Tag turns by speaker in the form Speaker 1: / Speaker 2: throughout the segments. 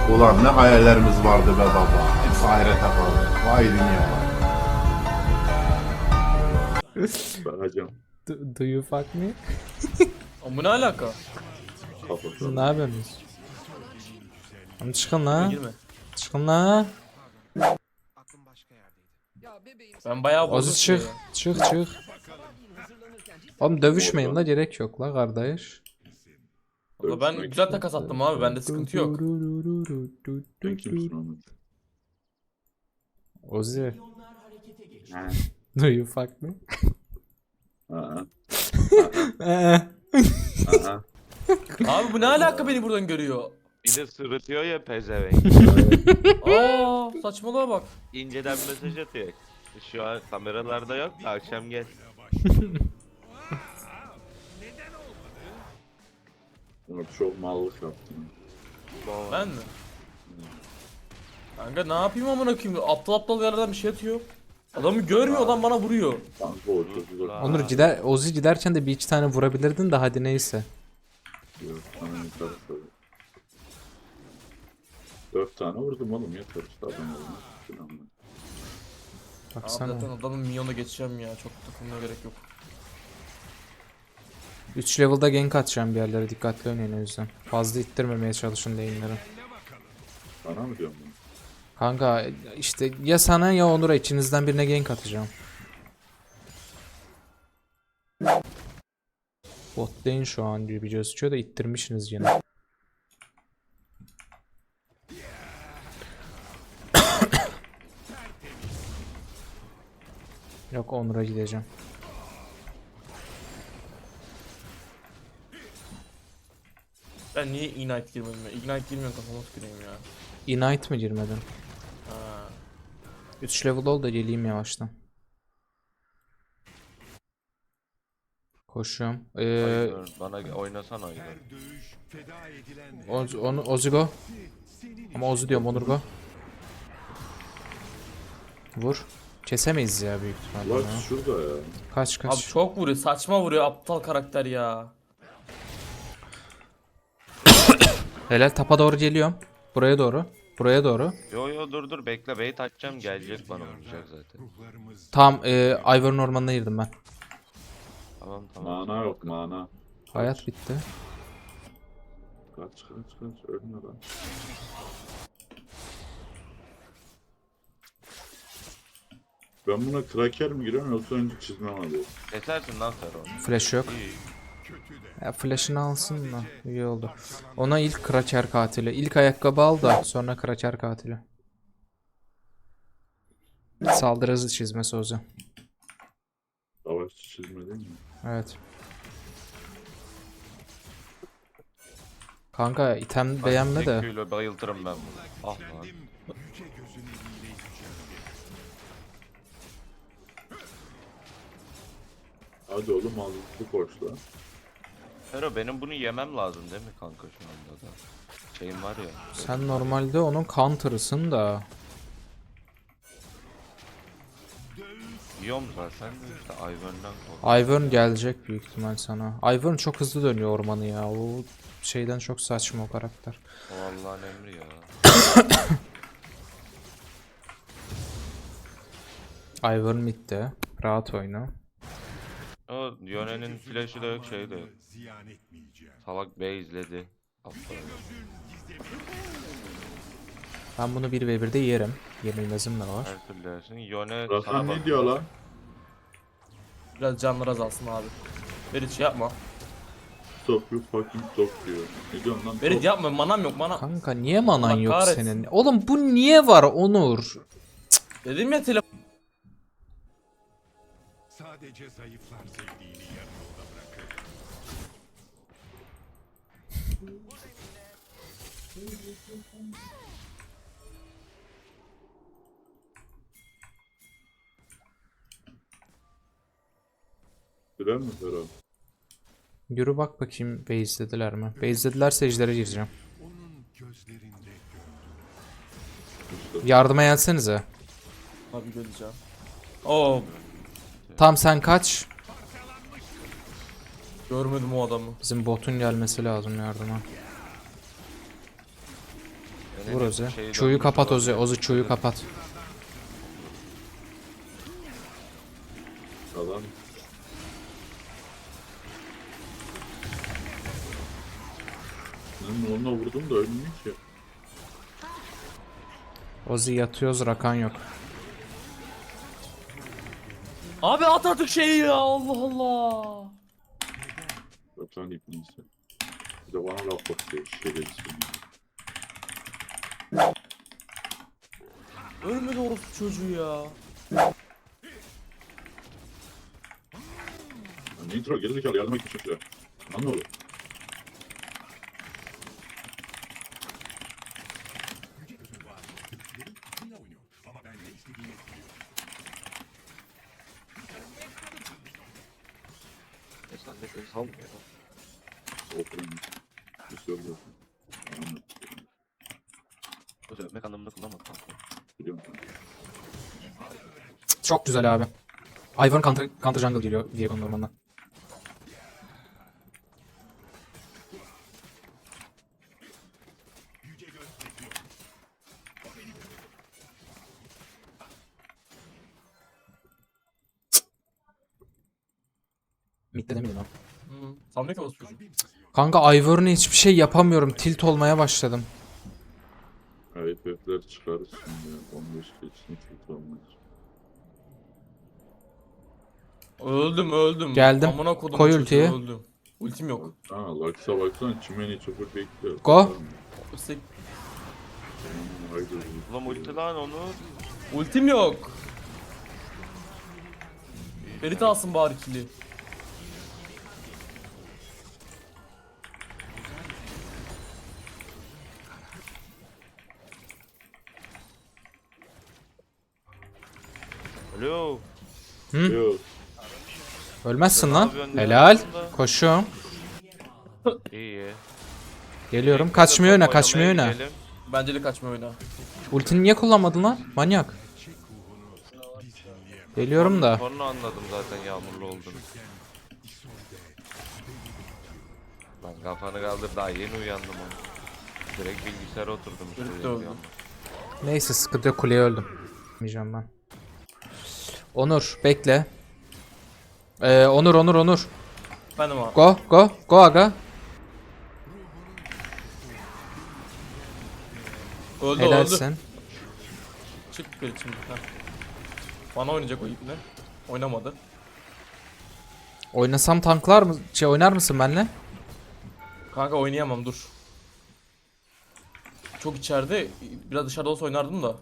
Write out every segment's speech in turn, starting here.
Speaker 1: Ulan ne hayallerimiz vardı be baba. Hepsi ahirete kaldı. Vay dünya vay.
Speaker 2: Bakacağım.
Speaker 3: Do you fuck me?
Speaker 4: Ama bu ne alaka?
Speaker 3: Siz ne
Speaker 2: Kafasına.
Speaker 3: yapıyorsunuz? Oğlum çıkın la.
Speaker 4: Girme.
Speaker 3: Çıkın la.
Speaker 4: Ben bayağı bozdum.
Speaker 3: Ozi çık.
Speaker 4: şeyi.
Speaker 3: Çık. Oğlum dövüşmeyin la, gerek yok la kardeş.
Speaker 4: Valla ben güzel takas attım abi. Bende sıkıntı yok.
Speaker 2: Sen kimsin Ahmet?
Speaker 3: Ozi.
Speaker 2: Ha.
Speaker 3: Do you fuck me?
Speaker 2: Aha.
Speaker 3: Ee.
Speaker 2: Aha.
Speaker 4: Abi bu ne alaka beni buradan görüyor?
Speaker 5: Bir de sırıtıyor ya pezevenk.
Speaker 4: Aa saçmalığa bak.
Speaker 5: İnceden mesaj atıyor. Şu an kameralarda yok da akşam gel.
Speaker 2: Ahmet çok mallık yaptın.
Speaker 4: Ben mi? Kanka ne yapayım amına koyayım? Aptal aptal yerlerden bir şey atıyor. Adamı görmüyor, adam bana vuruyor.
Speaker 2: Kanka o çok uzak.
Speaker 3: Onur gider, Ozi giderken de bir iki tane vurabilirdin de hadi neyse.
Speaker 2: Yok, sana yeter tabii. 4 tane vurdum oğlum, yeter işte adam olmaz. Şuran ben.
Speaker 4: Abi
Speaker 3: Baksana.
Speaker 4: zaten adamın minyonuna geçeceğim ya. Çok takılmaya gerek yok.
Speaker 3: 3 level'da gank atacağım bir yerlere, dikkatli oynayın o yüzden. Fazla ittirmemeye çalışın lane'leri.
Speaker 2: Sana mı diyorum bunu?
Speaker 3: Kanka işte ya sana ya Onur'a, içinizden birine gank atacağım. Bot lane şu an gibi gözüküyor da ittirmişsiniz yine. Yok, Onur'a gideceğim.
Speaker 4: Ben niye Ignite girmedim ya? Ignite girmiyorum, kafama tüküreyim ya.
Speaker 3: Ignite mi girmedin?
Speaker 4: Ha.
Speaker 3: 3 level ol da geleyim yavaştan. Koşuyorum.
Speaker 5: Aynen, bana oynasan aynen.
Speaker 3: Ozi go. Ama Ozi diyorum, Onur go. Vur. Kesemeyiz ya büyük ihtimalle.
Speaker 2: Lux
Speaker 3: ya.
Speaker 2: şurada ya.
Speaker 3: Kaç
Speaker 4: Abi
Speaker 3: kaç.
Speaker 4: çok vuruyor, saçma vuruyor aptal karakter ya.
Speaker 3: Helal, tapa doğru geliyorum. Buraya doğru. Buraya doğru.
Speaker 5: Yo dur bekle, bait atacağım, gelecek bana vuracak zaten.
Speaker 3: Tam Ivor'un ormanına girdim ben.
Speaker 5: Tamam.
Speaker 2: Mana yok mana.
Speaker 3: Hayat bitti.
Speaker 2: Kaç ölme lan. Ben buna kraker mi giriyorum yoksa önce çizmem alıyorum?
Speaker 5: Kesersin lan sen onu.
Speaker 3: Flash yok.
Speaker 5: İyi.
Speaker 3: Ya flash'ını alsın da iyi oldu. Ona ilk Kraker katili. İlk ayakkabı al da sonra Kraker katili. Saldırı hızı çizmesi o yüzden.
Speaker 2: Savaşçı çizme değil mi?
Speaker 3: Evet. Kanka item beğenme de.
Speaker 5: Zeküyle bayıltırım ben bunu. Ah lan.
Speaker 2: Hadi oğlum azıcık koşla.
Speaker 5: Fero, benim bunu yemem lazım değil mi kanka şu anda da? Şeyim var ya.
Speaker 3: Sen normalde onun counter'ısın da.
Speaker 5: Yiyorum zaten de işte Ivern'dan korkuyorum.
Speaker 3: Ivern gelecek büyük ihtimal sana. Ivern çok hızlı dönüyor ormanı ya. O şeyden çok saçma o karakter.
Speaker 5: O Allah'ın emri ya.
Speaker 3: Ivern midde. Rahat oyna.
Speaker 5: O Yone'nin flash'ı da yok, şeyi de yok. Salak B izledi. Aptal.
Speaker 3: Ben bunu 1v1'de yerim. Yenilmezim de var.
Speaker 5: Her türlü yersin. Yone
Speaker 2: Rakan
Speaker 5: sana
Speaker 2: ne
Speaker 5: bak.
Speaker 2: diyor lan?
Speaker 4: Biraz canlar azalsın abi. Berit şey yapma.
Speaker 2: Stop you fucking stop diyor. Ne diyorsun lan?
Speaker 4: Berit
Speaker 2: Stop.
Speaker 4: yapma, manam yok mana.
Speaker 3: Kanka niye manan
Speaker 4: Allah
Speaker 3: yok
Speaker 4: kahretsin.
Speaker 3: senin? Oğlum bu niye var Onur?
Speaker 4: Dedim ya telefon.
Speaker 6: Sadece zayıflar sevdiğini yarı yolda bırakır.
Speaker 2: Sürer mi Ferhat?
Speaker 3: Yürü bak bakayım base'lediler mi? Base'ledilerse ejder'e gireceğim.
Speaker 6: Onun gözlerinde
Speaker 3: Yardıma gelsenize.
Speaker 4: Abi göreceğim. Oo,
Speaker 3: Tam sen kaç.
Speaker 4: görmedim o adamı.
Speaker 3: Bizim botun gelmesi lazım yardıma.
Speaker 5: Yone'nin
Speaker 3: Vur Ozi.
Speaker 5: şeyi
Speaker 3: Çuyu
Speaker 5: dönmüş
Speaker 3: kapat
Speaker 5: olabilir.
Speaker 3: Ozi. Ozi çuyu kapat.
Speaker 2: Adam ben onunla vurdum da ölmüyor ki.
Speaker 3: Ozi yatıyoruz, Rakan yok.
Speaker 4: Abi at artık şeyi ya, Allah Allah.
Speaker 2: Zaten ipniyse. Bir de bana laf bakıyor şerefsiz.
Speaker 4: Ölmedi orospu çocuğu ya.
Speaker 2: Yani intro gerizekalı yardım etmiş çocuğa. Lan ne olur?
Speaker 5: Sen de beni salmıyor.
Speaker 2: Oturun. Bir söylüyorsun. Anladım.
Speaker 5: Ozi öpmek anlamında kullanmadım kanka.
Speaker 2: Biliyorum.
Speaker 3: Çok güzel abi. Ivern counter jungle geliyor diye konumdan. Mid'de demedim abi.
Speaker 4: Sanmıyor ki orospu çocuğu.
Speaker 3: Kanka Ivern'e hiçbir şey yapamıyorum. Tilt olmaya başladım.
Speaker 2: FF'ler çıkarırsın ya. 15 geçsin kötü olmaz.
Speaker 4: Öldüm.
Speaker 3: Geldim.
Speaker 4: Amına kodum
Speaker 3: Koy
Speaker 4: çocuğu,
Speaker 3: ultiyi.
Speaker 4: öldüm. Ultim yok.
Speaker 2: Ha, Lux'a baksana çimeni çöpür bekliyor.
Speaker 3: Go.
Speaker 4: İşte
Speaker 2: Haydi.
Speaker 5: Ulan ulti lan onu.
Speaker 4: ultim yok. Ferit alsın bari kili.
Speaker 5: Alo.
Speaker 2: Yok.
Speaker 3: Ölmezsin
Speaker 5: Ne
Speaker 3: lan.
Speaker 5: yapıyorsun?
Speaker 3: Helal.
Speaker 5: Ne yapıyorsun?
Speaker 3: Koşuyorum.
Speaker 5: İyi.
Speaker 3: Geliyorum. Kaçmıyor öne, kaçmıyor
Speaker 5: Oynamaya
Speaker 3: öne.
Speaker 5: gidelim.
Speaker 4: Bence de kaçma oyna.
Speaker 3: Ultini niye kullanmadın lan? Manyak. Geliyorum da.
Speaker 5: Sonra anladım zaten yağmurlu olduğunu. Lan kafanı kaldır, daha yeni uyandım onu. Direkt bilgisayara oturdum işte.
Speaker 4: Ferit de öldü.
Speaker 3: Neyse sıkıntı yok, kuleye öldüm. Yemeyeceğim ben. Onur bekle. Onur.
Speaker 4: Benim abi.
Speaker 3: Go aga.
Speaker 4: Öldü.
Speaker 3: Helalsin.
Speaker 4: Çık Ferit şimdi. Heh. Bana oynayacak o ipne. Oynamadı.
Speaker 3: Oynasam tanklar mı? Oynar mısın benimle?
Speaker 4: Kanka oynayamam, dur. Çok içeride. Biraz dışarıda olsa oynardım da.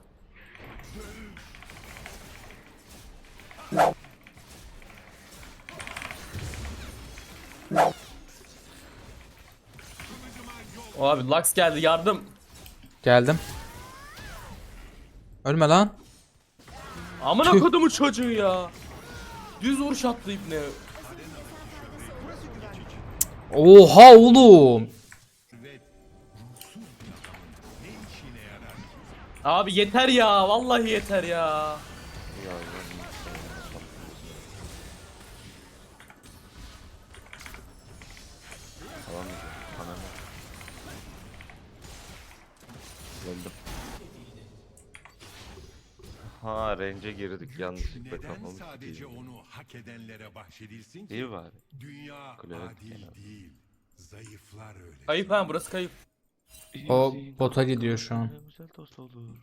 Speaker 4: O abi Lux geldi, yardım.
Speaker 3: Geldim. Ölme lan.
Speaker 4: Amına
Speaker 3: Tüh.
Speaker 4: kodumu çocuğu ya. Düz vuruş attı ipne.
Speaker 3: Oha oğlum.
Speaker 4: Abi yeter ya, vallahi yeter ya.
Speaker 5: Ya, alamayacağım. Ananı. Öldüm. Ha, range'e girdik yanlışlıkla,
Speaker 6: Neden
Speaker 5: kafamı
Speaker 6: sadece
Speaker 5: sikeyim.
Speaker 6: onu hak edenlere bahşedilsin ki?
Speaker 5: İyi bari.
Speaker 6: Dünya
Speaker 5: Kule
Speaker 6: adil
Speaker 5: kenarı.
Speaker 6: değil. Zayıflar öyle.
Speaker 4: Kayıp ha, burası kayıp.
Speaker 3: O bota gidiyor şu an.
Speaker 5: Güzel dost olur.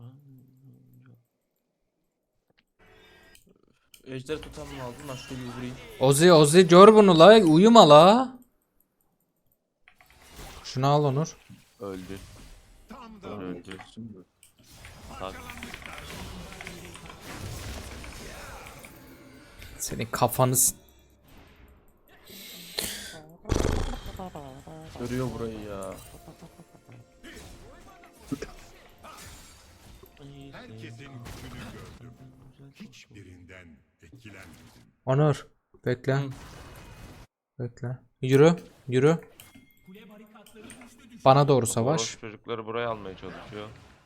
Speaker 4: Ejderi tutan mı aldın? Lan şöyle bir vurayım.
Speaker 3: Ozi gör bunu la, uyuma la. Şunu al Onur.
Speaker 5: Öldü.
Speaker 6: Tam da
Speaker 5: Öldü. Tak.
Speaker 3: Senin kafanı
Speaker 4: Görüyor burayı ya.
Speaker 6: herkesin gücünü gördüm. Hiçbirinden etkilenmedim.
Speaker 3: Onur bekle.
Speaker 4: Hı.
Speaker 3: Bekle. Yürü. Bana doğru savaş.
Speaker 5: Orospu çocukları buraya almaya çalışıyor.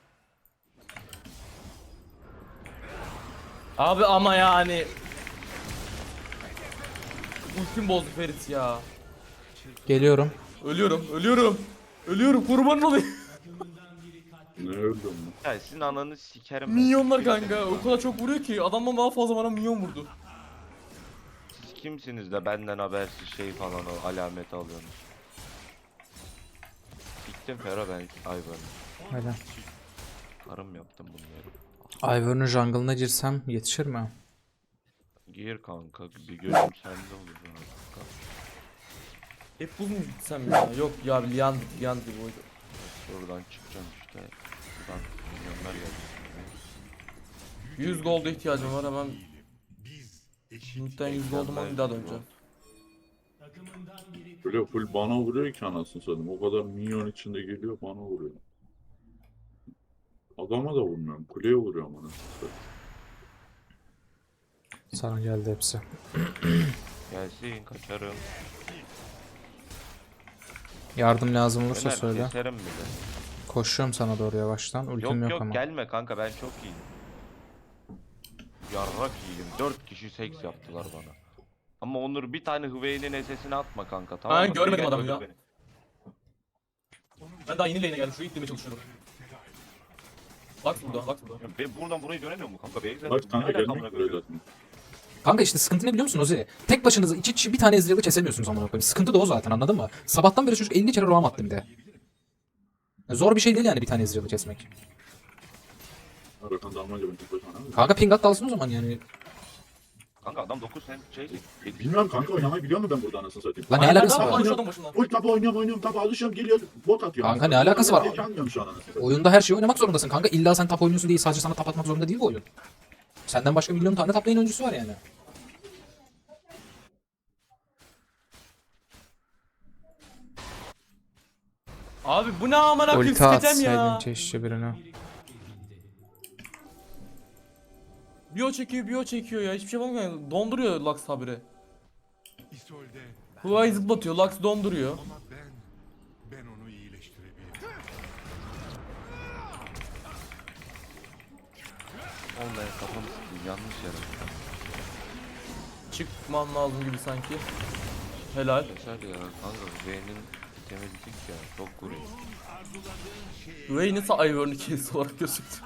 Speaker 4: Abi ama yani. Ultim bozdu Ferit ya.
Speaker 3: Geliyorum.
Speaker 4: Ölüyorum kurban olayım.
Speaker 2: Ne öldüm mü?
Speaker 5: Ya sizin ananı sikerim. ben.
Speaker 4: Minyonlar kanka o kadar çok vuruyor ki adamdan daha fazla bana minyon vurdu.
Speaker 5: Siz kimsiniz de benden habersiz şey falan o alameti alıyorsunuz? Gittim Fero ben Ivern'ı.
Speaker 3: Öyle.
Speaker 5: Karım yaptım bunları.
Speaker 3: Ivern'ın jungle'ına girsem yetişir mi?
Speaker 5: Gir kanka bir gözüm sende olur kanka.
Speaker 4: Hep buz mu gitsem ya? Yok ya Liand gibi oydu.
Speaker 5: Şuradan çıkacağım işte. Buradan milyonlar geldi.
Speaker 4: 100 gold'a ihtiyacım var hemen. Muhtemelen 100 gold'um var bir daha döneceğim.
Speaker 2: Böyle full bana vuruyor ki anasını satayım. O kadar minyon içinde geliyor bana vuruyor. Adama da vurmuyorum. Kuleye vuruyorum anasını satayım.
Speaker 3: Sana geldi hepsi.
Speaker 5: Gelsin kaçarım.
Speaker 3: Yardım lazım olursa
Speaker 5: Öner
Speaker 3: söyle.
Speaker 5: keserim bile.
Speaker 3: Koşuyorum sana doğru yavaştan. Ultim yok
Speaker 5: Yok
Speaker 3: ama.
Speaker 5: gelme kanka ben çok iyiyim. Yarrak iyiyim. 4 kişi seks yaptılar bana. Ama Onur bir tane Hüveyin'in SS'ini atma kanka tamam
Speaker 4: Ben
Speaker 5: mı?
Speaker 4: görmedim
Speaker 5: Gel
Speaker 4: adamı
Speaker 5: öldür
Speaker 4: ya.
Speaker 5: beni.
Speaker 4: Ben daha yeni lane'e geldim. Şuraya ittirmeye çalışıyorum. Bak burada, bak burada.
Speaker 5: Ya ben buradan burayı göremiyor mu kanka? Beyza.
Speaker 2: Bak kanka gelmek üzere zaten.
Speaker 3: Kanka işte sıkıntı ne biliyor musun Ozi? Tek başınıza iki kişi bir tane Ezreal'ı kesemiyorsunuz amına koyayım. Sıkıntı da o zaten anladın mı? Sabahtan beri çocuk 50 kere roam attı bir de. Zor bir şey değil yani bir tane Ezreal'ı kesmek.
Speaker 2: Rakan dalmaca ben tek başıma ne yapayım?
Speaker 3: Kanka ping at dalsın o zaman yani.
Speaker 5: Kanka adam 9 sen şey.
Speaker 2: Bilmiyorum kanka oynamayı biliyor musun ben burada anasını satayım?
Speaker 3: Lan ne
Speaker 4: Aynen,
Speaker 3: alakası
Speaker 4: tamam,
Speaker 3: var?
Speaker 4: konuş adam başından.
Speaker 2: Oy tabi oynuyorum tabi alışıyorum geliyor bot atıyor.
Speaker 3: Kanka ne alakası var?
Speaker 2: Gelmiyorum şu an anasını satayım.
Speaker 3: Oyunda her şeyi oynamak zorundasın kanka. İlla sen top oynuyorsun diye sadece sana top atmak zorunda değil bu oyun. Senden başka milyon tane top lane oyuncusu var yani.
Speaker 4: Abi bu ne amına koyayım
Speaker 3: Ulti
Speaker 4: sikeceğim ya.
Speaker 3: atsaydın keşke birine.
Speaker 4: Bio çekiyor ya. Hiçbir şey yapamıyor. Donduruyor Lux habire.
Speaker 6: İsolde
Speaker 4: Huawei zıplatıyor. Lux donduruyor.
Speaker 6: ama ben onu iyileştirebilirim.
Speaker 5: Oğlum ben kafamı sıkayım yanlış yere.
Speaker 4: Çıkmam lazım gibi sanki. Helal.
Speaker 5: Yeter ya kanka Hüveyin'in temizlik ya çok vuruyor.
Speaker 4: Huawei nasıl Ivern'ı kes olarak gözüktü.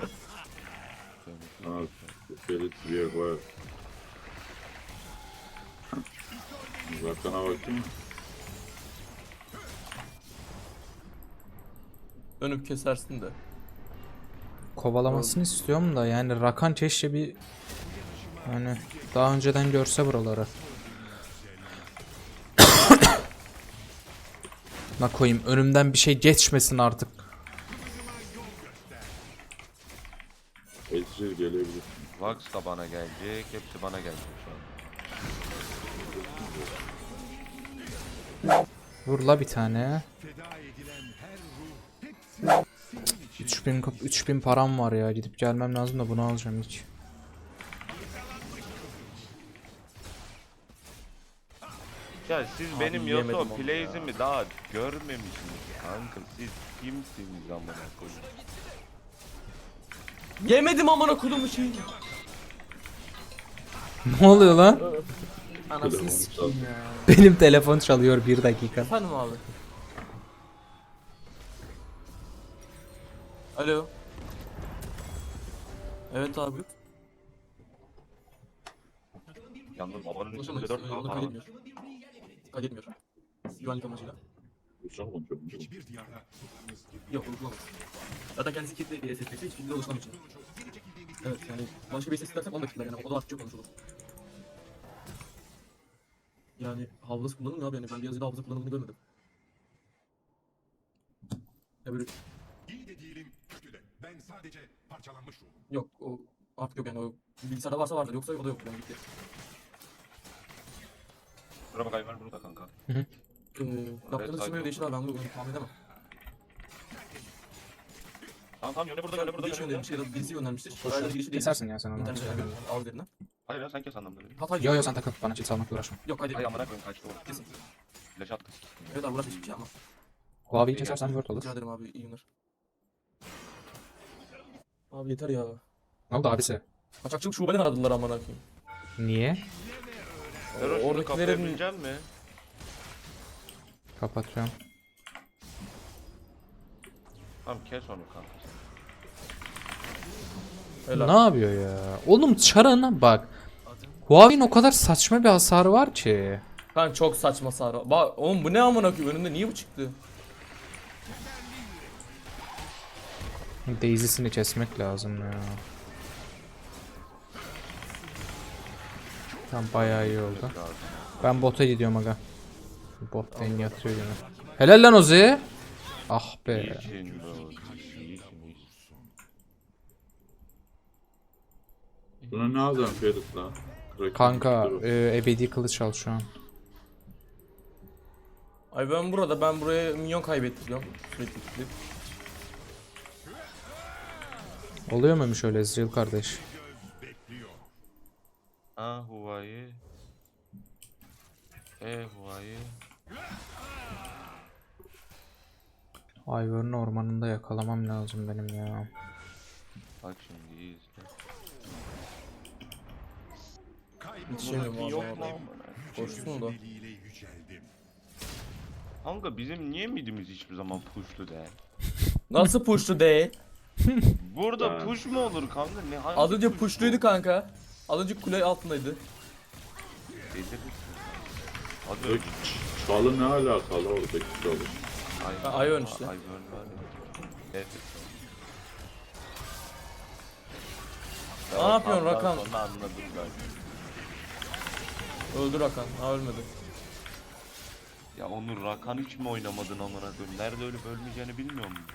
Speaker 2: Ha, Ferit bir yer var. Uzaktan bakayım mı?
Speaker 4: Dönüp kesersin de.
Speaker 3: Kovalamasını istiyorum da yani Rakan keşke bir yani daha önceden görse buraları. Na koyayım önümden bir şey geçmesin artık.
Speaker 2: Ezreal gelebilir.
Speaker 5: Vax da bana gelecek hepsi bana gelecek şu an.
Speaker 3: Vur la bir tane.
Speaker 6: Feda edilen her ruh hepsi
Speaker 3: 3000 param var ya gidip gelmem lazım da bunu alacağım hiç.
Speaker 5: Ya siz benim
Speaker 4: yemedim
Speaker 5: Yoto
Speaker 4: onu
Speaker 5: Plays'imi daha görmemişsiniz kanka siz kimsiniz amına koyayım.
Speaker 4: Yemedim amına kodumu şeyi.
Speaker 3: Ne oluyor lan?
Speaker 4: Anasını sikeyim ya.
Speaker 3: Benim telefon çalıyor 1 dakika.
Speaker 4: Efendim abi. Alo. Evet abi.
Speaker 5: Yalnız babanın
Speaker 4: Ulaşamayız.
Speaker 5: üstünde 4
Speaker 4: Onu
Speaker 5: var.
Speaker 4: kaydetmiyor. Kaydetmiyor. Güvenlik amacıyla.
Speaker 2: Uçak konuşuyorum.
Speaker 6: hiçbir diyarda
Speaker 4: Yok ulaşılamaz. Zaten kendisi kilitli bir SS'si hiç kimde ulaşılamayacak. Evet yani başka bir ses dersek 10 dakika yani o da artık çok konuşulur. Yani hafızası kullanılmıyor abi yani ben bir yazıda hafıza kullanıldığını görmedim. Ya böyle
Speaker 6: iyi de değilim, kötü de. Ben sadece parçalanmış ruhum.
Speaker 4: yok o artık yok yani o bilgisayarda varsa vardır yoksa o da yok yani gitti.
Speaker 5: Şuraya bak Ayver burada kanka.
Speaker 4: Yaptığınız isim öyle değişir abi ben bunu tahmin edemem.
Speaker 5: Tamam yöne burada yöne burada
Speaker 4: Birisi
Speaker 5: yöne.
Speaker 4: göndermiştir ya da birisi göndermiştir. Oraya girişi değil.
Speaker 3: Kesersin ya sen onu.
Speaker 4: İnternet şeyler al üzerinden.
Speaker 5: Hayır ya sen kes anlamda.
Speaker 4: Hata
Speaker 3: Yo yo sen takıl bana çift salmakla uğraşma.
Speaker 4: Yok hadi.
Speaker 5: Ay amına koyayım kaçtı o.
Speaker 4: Kesin.
Speaker 5: Flash attı.
Speaker 4: Evet abi uğraşmış bir şey ama.
Speaker 3: Huawei'yi kesersen word olur.
Speaker 4: Rica ederim abi iyi günler. Abi yeter ya.
Speaker 3: Ne oldu abisi?
Speaker 4: Kaçakçılık şubeden aradılar amına koyayım.
Speaker 3: Niye?
Speaker 5: Fero şunu
Speaker 4: Oradakilerin-
Speaker 5: kapayabilecek mi?
Speaker 3: Kapatıyorum.
Speaker 5: Tamam kes onu kanka.
Speaker 4: Helal.
Speaker 3: Ne yapıyor ya? Oğlum Char'ın bak. Huawei'nin o kadar saçma bir hasarı var ki.
Speaker 4: Kanka çok saçma sarı. Bak oğlum bu ne amına koyayım, önümde niye bu çıktı?
Speaker 3: Daisy'sini kesmek lazım ya. Tamam bayağı iyi oldu. Ben bota gidiyorum aga. Bot lane yatıyor yine. Helal lan Ozi. Ah be.
Speaker 5: İyisin bro. İyisin.
Speaker 2: Buna ne alacaksın Ferit lan? Kraken
Speaker 3: Kanka
Speaker 2: dur.
Speaker 3: ebedi kılıç al şu an.
Speaker 4: Ay ben buraya minyon kaybettiriyorum. Sürekli.
Speaker 3: Oluyor muymuş öyle Ezreal kardeş?
Speaker 5: Ah Huawei. Huawei.
Speaker 3: Ivern'ın ormanında yakalamam lazım benim ya.
Speaker 5: Bak şimdi iyi izle.
Speaker 4: Yetişemiyorum
Speaker 5: Yok
Speaker 4: vallahi
Speaker 5: mu
Speaker 4: oraya.
Speaker 5: amına?
Speaker 4: Koşsun da.
Speaker 6: Eliyle yüceldim.
Speaker 5: Kanka bizim niye midimiz hiçbir zaman pushlu değil?
Speaker 4: Nasıl push'tu değil?
Speaker 5: Burada
Speaker 2: Ha.
Speaker 5: push mu olur kanka? Ne hangi
Speaker 4: Az önce
Speaker 5: push
Speaker 4: push'luydu
Speaker 5: bu?
Speaker 4: kanka. Az önce kule altındaydı.
Speaker 5: Delirirsin. Hadi
Speaker 2: Yok, Çalı ne alakalı oradaki çalı?
Speaker 5: Ay,
Speaker 4: Ivern işte.
Speaker 5: Ivern var ya. Evet.
Speaker 4: Ne yapıyorsun Rakan?
Speaker 5: Sonra anladım ben.
Speaker 4: Öldü Rakan. Ha ölmedi.
Speaker 5: Ya Onur Rakan hiç mi oynamadın amına koyayım? Nerede ölüp ölmeyeceğini bilmiyor musun?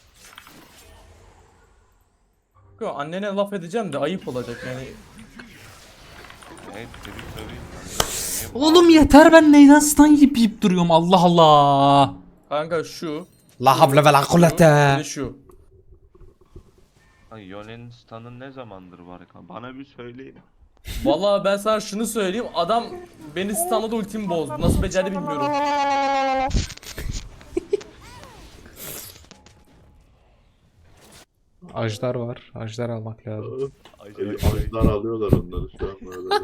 Speaker 4: Yo, annene laf edeceğim de ayıp olacak yani.
Speaker 5: Evet tabii.
Speaker 3: Oğlum yeter ben neyden stun yiyip duruyorum Allah Allah.
Speaker 4: Kanka şu.
Speaker 3: La havle ve la
Speaker 4: Bir
Speaker 3: kuvvete.
Speaker 4: de şu.
Speaker 5: Ay Yone'nin stun'ı ne zamandır var kan? Bana bir söyleyin.
Speaker 4: Vallahi ben sana şunu söyleyeyim. Adam beni stunladı, ultimi bozdu. Nasıl becerdi bilmiyorum.
Speaker 3: Ajdar var. Ajdar almak lazım.
Speaker 2: Ajlar alıyorlar onları şu an böyle.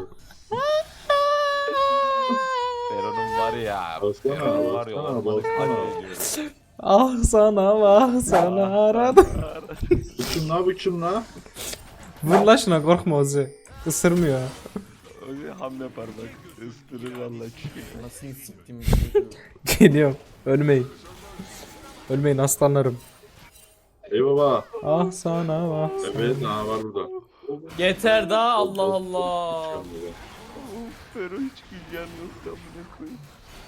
Speaker 5: Feron'un var ya.
Speaker 2: Baksana,
Speaker 5: Feron'un var ya.
Speaker 2: baksana,
Speaker 5: Ormanı
Speaker 2: baksana.
Speaker 5: katlediyor.
Speaker 3: Ah sana vah sana aradım.
Speaker 2: Bu kim la?
Speaker 3: Vur la şuna korkma Ozi. Isırmıyor.
Speaker 5: Öyle ham yapar bak. Isırır valla.
Speaker 4: Nasıl siktim.
Speaker 3: Geliyorum. Ölmeyin. Ölmeyin aslanlarım.
Speaker 2: Ey baba.
Speaker 3: Ah sana vah.
Speaker 2: Evet ha var burada.
Speaker 4: Yeter daha, Allah Allah.
Speaker 5: Fero hiç gülyen yok amına koyayım.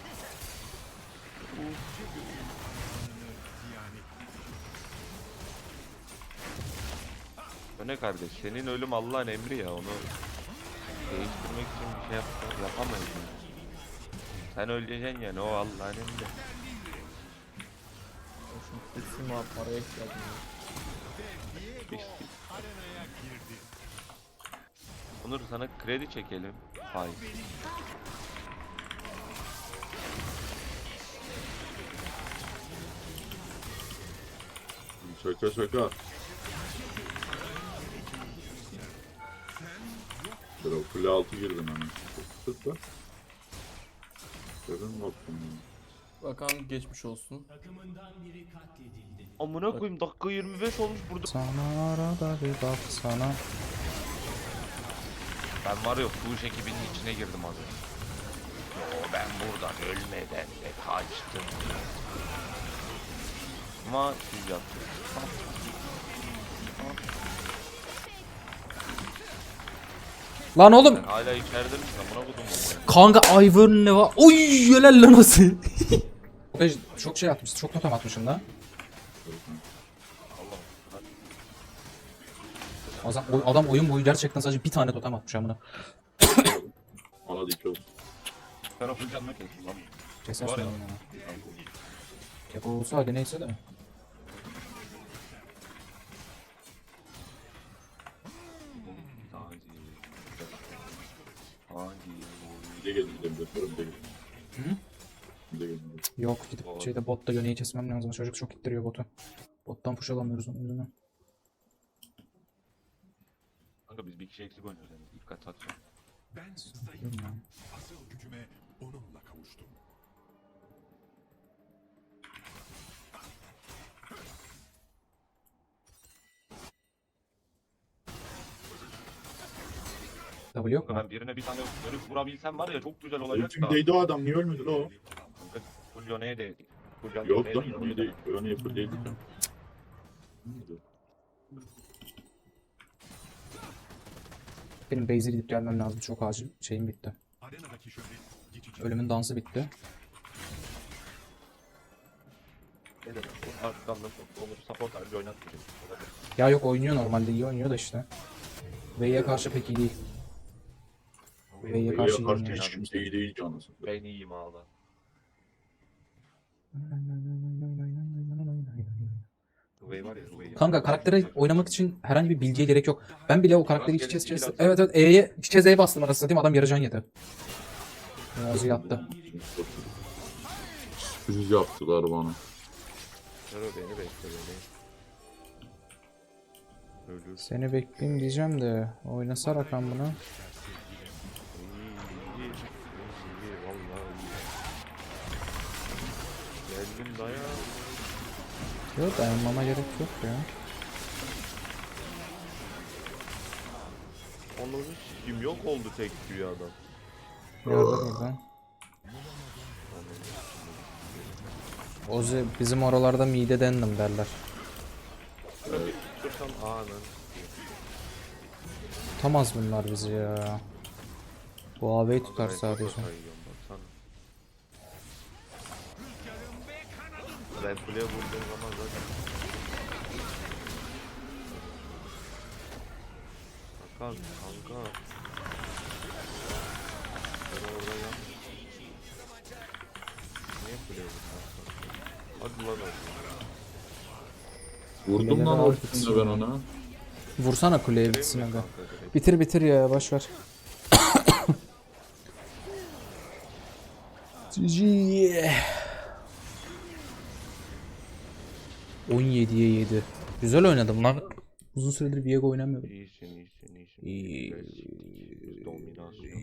Speaker 5: O ne kardeş? Senin ölüm Allah'ın emri ya. Onu değiştirmek için bir şey yapamayız. Yani. Sen öleceksin yani. O Allah'ın emri.
Speaker 4: Kesin var, paraya ihtiyacım var.
Speaker 5: Onur sana kredi çekelim. Hayır.
Speaker 2: Şaka şaka. Dur o kule altı girdim hemen. Tut da. Görün mü baktım ya.
Speaker 4: Bakalım, geçmiş olsun.
Speaker 5: Amına koyayım dakika 25 olmuş burada.
Speaker 3: Sana arada bir baksana.
Speaker 5: Ben var ya Fuş ekibinin içine girdim az önce. Ben buradan ölmeden de kaçtım. Ama siz yaptınız.
Speaker 3: Lan oğlum.
Speaker 5: Sen hala içeride misin amına kodum mu?
Speaker 3: Kanka Ivern ne var? Oy helal lan Ozi. Çok şey atmışsın. Çok totem atmışım da. Adam oyun boyu gerçekten sadece bir tane totem atmış amına.
Speaker 2: Bana dik olsun.
Speaker 5: Ben o canına kestim lan.
Speaker 3: Kesersin onu ya. Kepo olsa hadi neyse de.
Speaker 2: Bir de gelin gidelim. Bir de gelin.
Speaker 3: Hı?
Speaker 2: Bir de gelin.
Speaker 3: Yok gidip şeyde botta yöneyi kesmem lazım. Çocuk çok ittiriyor botu. Bottan push alamıyoruz onun yüzünden.
Speaker 5: Kanka biz bir kişi eksik oynuyoruz yani. Dikkat at.
Speaker 6: Ben zayıfım. Asıl gücüme onunla kavuştum.
Speaker 3: W yok mu?
Speaker 5: Ben birine bir tane dönüp vurabilsem var ya çok güzel olacak da.
Speaker 2: Ultimdeydi o adam. Niye ölmedi la o?
Speaker 5: Kanka full Yone'ye değdik. Full
Speaker 2: Yok
Speaker 5: Yone'ye
Speaker 2: lan.
Speaker 5: değdik.
Speaker 2: Yone'ye değil. Yone'ye full değildi.
Speaker 3: Benim base'e gidip gelmem lazım. Çok acil. Şeyim bitti.
Speaker 6: Arenadaki şöhret geçici.
Speaker 3: Ölümün dansı bitti.
Speaker 5: Ne demek? Bu arkadan da olur support harcı oynatmayacak.
Speaker 3: Ya yok oynuyor normalde. İyi oynuyor da işte. V'ye karşı pek iyi değil. V'ye karşı iyi
Speaker 2: Karşı
Speaker 3: oynuyor.
Speaker 2: hiç kimse iyi değil canlısı.
Speaker 5: Ben iyiyim ağla. Rüvey var ya Rüvey.
Speaker 3: Kanka karaktere oynamak için herhangi bir bilgiye gerek yok. Ben bile o karakteri iç içe evet evet E'ye iç içe Z'ye bastım arasında değil mi? Adam yarı can yedi. Muazı yattı.
Speaker 2: Sürpriz yaptılar bana.
Speaker 5: Rüvey beni bekle beni. Ölür.
Speaker 3: Seni bekleyeyim diyeceğim de oynasa rakam bunu.
Speaker 5: İyi, iyi, iyi, vallahi iyi. Geldim dayan.
Speaker 3: Yok dayanmama gerek yok ya.
Speaker 5: Onu kim yok oldu tek bir adam.
Speaker 3: Yardım buradan. Ozi bizim oralarda mide dendim derler.
Speaker 5: Şöyle bir tutursam anın.
Speaker 3: Tutamaz bunlar bizi ya. Bu AV'yi tutar sadece.
Speaker 5: Ben kuleye vurduğum zaman zaten. Kanka, kanka. Ben orada yan. Niye kuleye vurdun? Hadi lan
Speaker 2: Vurdum lan ultimde ben ona.
Speaker 3: Vursana kuleye bitsin aga. Bitir bitir ya boş ver. GG. 17'ye 7. Güzel oynadım lan. Uzun süredir Viego oynamıyorum.
Speaker 5: İyisin, iyisin, iyisin.
Speaker 3: İyi.
Speaker 5: Dominasyon.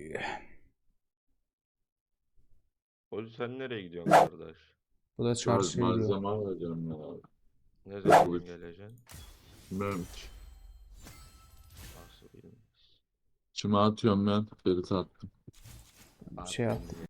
Speaker 5: Oğlum sen nereye gidiyorsun kardeş?
Speaker 3: Bu da çarşıya gidiyor.
Speaker 2: Malzeme alacağım ya abi.
Speaker 5: Ne zaman
Speaker 2: Buyur.
Speaker 5: geleceksin?
Speaker 2: Bilmiyorum ki.
Speaker 5: Nasıl bilmez.
Speaker 2: Kime atıyorum ben? Ferit attım.
Speaker 3: Şey yaptım.